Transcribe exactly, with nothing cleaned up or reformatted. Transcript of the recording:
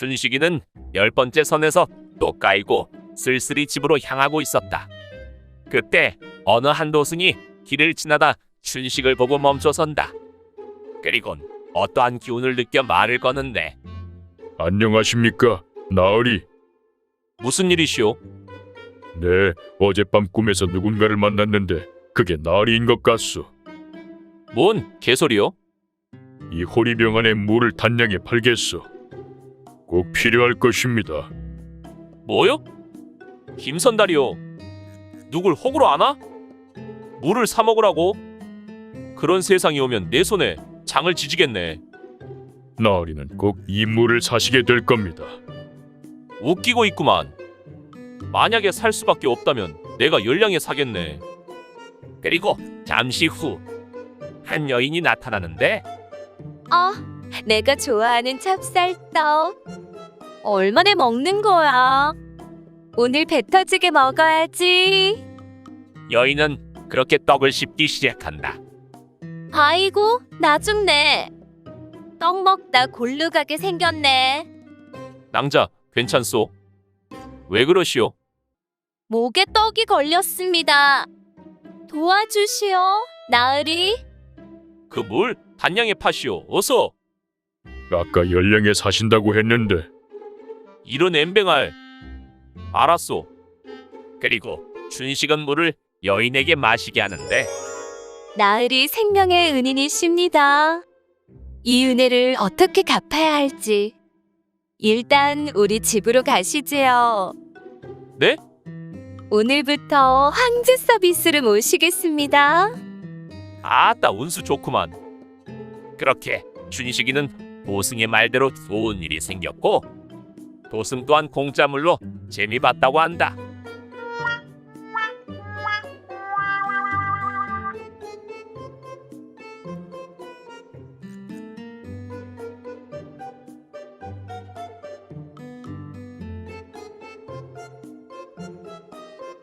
춘식이는 열 번째 선에서 또 까이고 쓸쓸히 집으로 향하고 있었다. 그때 어느 한 도승이 길을 지나다 춘식을 보고 멈춰선다. 그리곤 어떠한 기운을 느껴 말을 거는데, 안녕하십니까, 나으리. 무슨 일이시오? 네, 어젯밤 꿈에서 누군가를 만났는데 그게 나으리인 것 같소. 뭔 개소리요? 이 호리병 안에 물을 단량에 팔겠소. 꼭 필요할 것입니다. 뭐요? 김선달이요. 누굴 호구로 아나? 물을 사 먹으라고? 그런 세상이 오면 내 손에 장을 지지겠네. 나으리는 꼭 이 물을 사시게 될 겁니다. 웃기고 있구만. 만약에 살 수밖에 없다면 내가 열량에 사겠네. 그리고 잠시 후 한 여인이 나타나는데, 어, 내가 좋아하는 찹쌀떡. 얼마나 먹는 거야? 오늘 배 터지게 먹어야지. 여인은 그렇게 떡을 씹기 시작한다. 아이고, 나 죽네. 떡 먹다 골루 가게 생겼네. 낭자, 괜찮소? 왜 그러시오? 목에 떡이 걸렸습니다. 도와주시오, 나으리. 그 물 단량에 파시오. 어서. 아까 열량에 사신다고 했는데. 이런 엠뱅알. 알았소. 그리고 춘식은 물을 여인에게 마시게 하는데, 나으리 생명의 은인이십니다. 이 은혜를 어떻게 갚아야 할지. 일단 우리 집으로 가시지요. 네? 오늘부터 황제 서비스를 모시겠습니다. 아따, 운수 좋구만. 그렇게 춘식이는 도승의 말대로 좋은 일이 생겼고, 도승 또한 공짜물로 재미봤다고 한다.